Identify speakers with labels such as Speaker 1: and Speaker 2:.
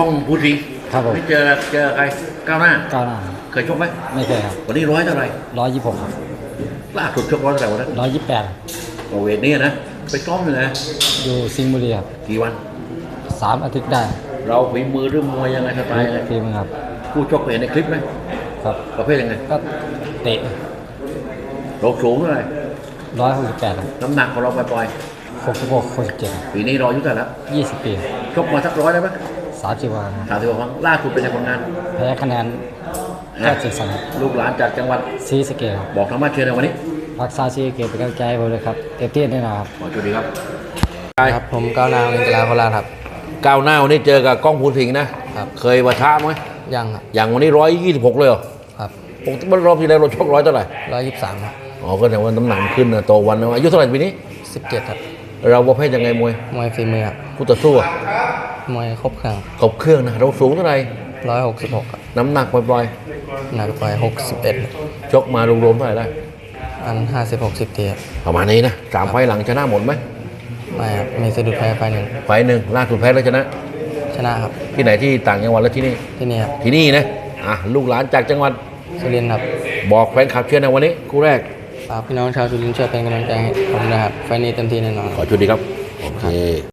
Speaker 1: ต้องพูดสิ
Speaker 2: ครับผม
Speaker 1: ไม่เจอใครก้าวหน้า
Speaker 2: ก้าวหน้า
Speaker 1: เคยชกไหม
Speaker 2: ไม่เคยครับ
Speaker 1: วันนี้ร้อยเท่าไหร่
Speaker 2: 126ครับ
Speaker 1: ล่าสุดชกร้อยเท่าไหร่วันนั้น
Speaker 2: 128
Speaker 1: โอเวทนี่นะไปซ้อมอยู่นะ
Speaker 2: อยู่สิงห์บุรีครับ
Speaker 1: กี่วัน
Speaker 2: 3 อาทิตย์ได้
Speaker 1: เราฝีมือหรือมวยยังไงสไตล์ยังไง
Speaker 2: ทีมครับ
Speaker 1: ผู้ชกเห็นในคลิปไหม
Speaker 2: ครับ
Speaker 1: ประเภทยังไง
Speaker 2: ก็เตะ
Speaker 1: เราสูงเท่าไหร่
Speaker 2: 168ครับ
Speaker 1: น้ำหนักของเราปล่อย
Speaker 2: 66 67
Speaker 1: ปีนี้เราอายุเท่าไหร่แล้ว
Speaker 2: 20 ปี
Speaker 1: ชกมาสักร้อยได้ไหม
Speaker 2: 30 วันครับ
Speaker 1: 30 กว่าครั้งล่าสุดเป็นในผลงาน
Speaker 2: แพ้คะแนนแค่7 ครับ
Speaker 1: ลูกหลานจากจังหวัด
Speaker 2: ศรีสะเกษครับ
Speaker 1: บอกทางบ้านเชิญในวันนี้
Speaker 2: รักษาศรีสะเกษเป็นกำลังใจให้ผมเลยครับเต็มที่แน่นอนครับ
Speaker 1: ขอสวัสดีครับ
Speaker 2: ครับผมก้าวหน้าเล่นกีฬาโคราชครับ
Speaker 1: ก้าวหน้าวันนี้เจอกับก้องภูสิงห์นะครับเคยปะทะไหม
Speaker 2: ยังครับ
Speaker 1: อย่างวันนี้126เลยเหรอ
Speaker 2: ครับ
Speaker 1: ปกติรอบที่แล้วเราชกร้อยเท่าไหร่
Speaker 2: 123ครับ
Speaker 1: อ๋อก็แต่ว่าน้ำหนักขึ้นนะโตวันนะอายุเท่าไหร่ปีนี้
Speaker 2: 17ครับ
Speaker 1: เราประเภทยังไงมวย
Speaker 2: ฝีมือครับ
Speaker 1: คู่ต่อสู้อะ
Speaker 2: มวยครบเครื่อง
Speaker 1: ครบเครื่องนะเราสูงเท่าไหร่
Speaker 2: 166ครับ
Speaker 1: น้ำหนักปล่อย
Speaker 2: หนักไป61
Speaker 1: ๆชกมารวมๆเท่าไหร่ได้
Speaker 2: อัน50-60ทีครับ
Speaker 1: ประมาณนี้นะ3 ไฟล์หลังชนะหมดไหม
Speaker 2: ไม่ครับมีสะดุดแพ้ไฟหนึ่ง
Speaker 1: ไฟล์หนึ่งล่าสุดแพ้แล้วชนะ
Speaker 2: นะครับ
Speaker 1: ที่ไหนที่ต่างจังหวัดแล้วที่นี่
Speaker 2: ที่นี่ครับ
Speaker 1: ที่นี่นะลูกหลานจากจังหวัด
Speaker 2: สุรินทร์ครับ
Speaker 1: บอกแฟนคลับเชียร์ในวันนี้คู่แรก
Speaker 2: ฝากพี่น้องชาวสุรินทร์ช่วยเป็นกำลังใจให้ผมนะครับไฟนี้เต็มที่แน่นอน
Speaker 1: ขอชุดดีครับโอเค